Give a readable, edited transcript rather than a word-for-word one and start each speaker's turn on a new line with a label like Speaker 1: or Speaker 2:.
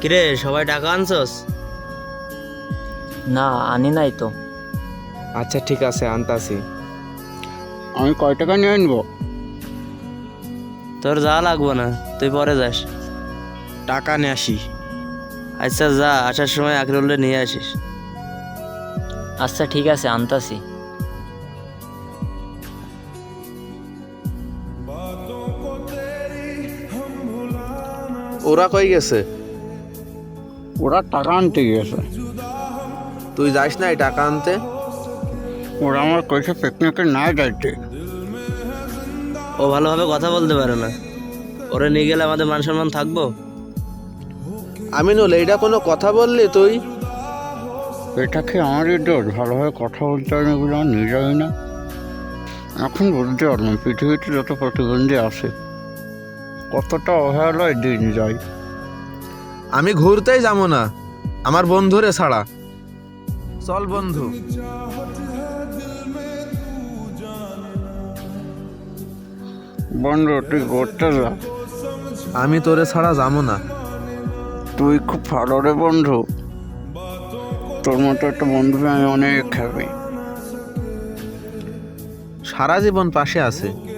Speaker 1: কিরে সবাই টাকা আনছস?
Speaker 2: না, আনি নাই তো।
Speaker 3: আচ্ছা ঠিক আছে, আনতাছি।
Speaker 4: আমি কয় টাকা নিয়ে আনবো?
Speaker 1: তোর যা লাগবো না, তুই পরে যাস।
Speaker 3: টাকা নিয়ে আসি।
Speaker 1: আচ্ছা যা, আসার সময় আখরুল্লে নিয়ে আসিস।
Speaker 2: আচ্ছা ঠিক আছে, আনতাছি।
Speaker 5: ওরা কই গেছে?
Speaker 4: ওরা টাকা আনতে গিয়েছে।
Speaker 5: তুই যাস না এই টাকা আনতে?
Speaker 4: ওরা আমার কইছে পিকনিকে না যাইতে।
Speaker 1: ও ভালোভাবে কথা বলতে পারে না, ওরে নিয়ে গেলে আমাদের মান সম্মান থাকবো?
Speaker 5: আমিনুল, এইটা কোনো কথা বললি তুই?
Speaker 4: এটা কি আমারই দোষ? ভালোভাবে কথা বলতে পারি না বলে আমার নিয়ে যাবে না। এখন বুঝতে পারলাম পৃথিবীতে যত প্রতিবন্ধী আছে কতটা অবহেলায় দিন যায়।
Speaker 5: আমি ঘুরতেই যাবো না আমার বন্ধুরে ছাড়া। চল বন্ধু।
Speaker 4: বন্ধু তুই ঘুরতে যা।
Speaker 5: আমি তোরে ছাড়া যাবো না।
Speaker 4: তুই খুব ভালো রে বন্ধু, তোর মতো একটা বন্ধু আমি অনেক হ্যাপি।
Speaker 5: সারা জীবন পাশে আছে।